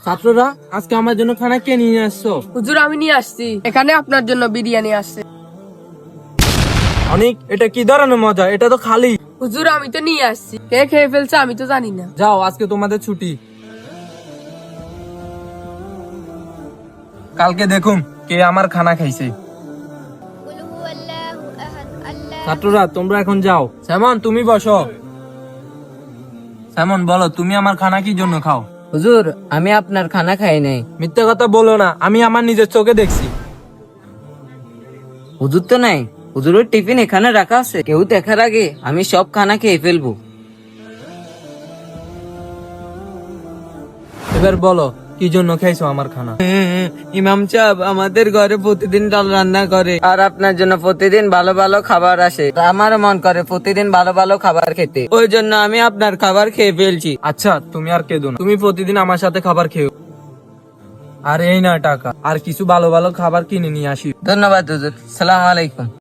ছাত্ররা, আজকে আমার জন্য খানা কে নিয়ে আসছো? হুজুর আমি নিয়ে আসছি, এখানে আপনার জন্য বিরিয়ানি আসছে। অনেক, এটা কি ধরনের মজা? এটা তো খালি। হুজুর আমি তো নিয়ে আসছি, কে খেয়ে ফেলছে আমি তো জানি না। যাও, আজকে তোমাদের ছুটি। কালকে দেখুন কে আমার খানা খাইছে। ছাত্ররা, তোমরা এখন যাও। স্যামন, তুমি বসো। স্যামন, বলো তুমি আমার খানা কি জন্য খাও? হুজুর আমি আপনার খানা খাই নাই। মিথ্যা কথা বলো না, আমি আমার নিজের চোখে দেখছি। হুজুর তো নাই, হুজুরের টিফিন এখানে রাখা আছে, কেউ দেখার আগে আমি সব খানা খেয়ে ফেলবো। এবার বলো কি জন্য খাইছো আমার খানা? ইমাম সাহেব আমাদের ঘরে প্রতিদিন ডাল রান্না করে, আর আপনার জন্য প্রতিদিন ভালো ভালো খাবার আসে। আমারও মন করে প্রতিদিন ভালো ভালো খাবার খেতে, ওই জন্য আমি আপনার খাবার খেয়ে ফেলছি। আচ্ছা, তুমি আর কেঁদো না, তুমি প্রতিদিন আমার সাথে খাবার খেও। আর এই না টাকা, আর কিছু ভালো ভালো খাবার কিনে নিয়ে আসি। ধন্যবাদ হুজুর, সালাম আলাইকুম।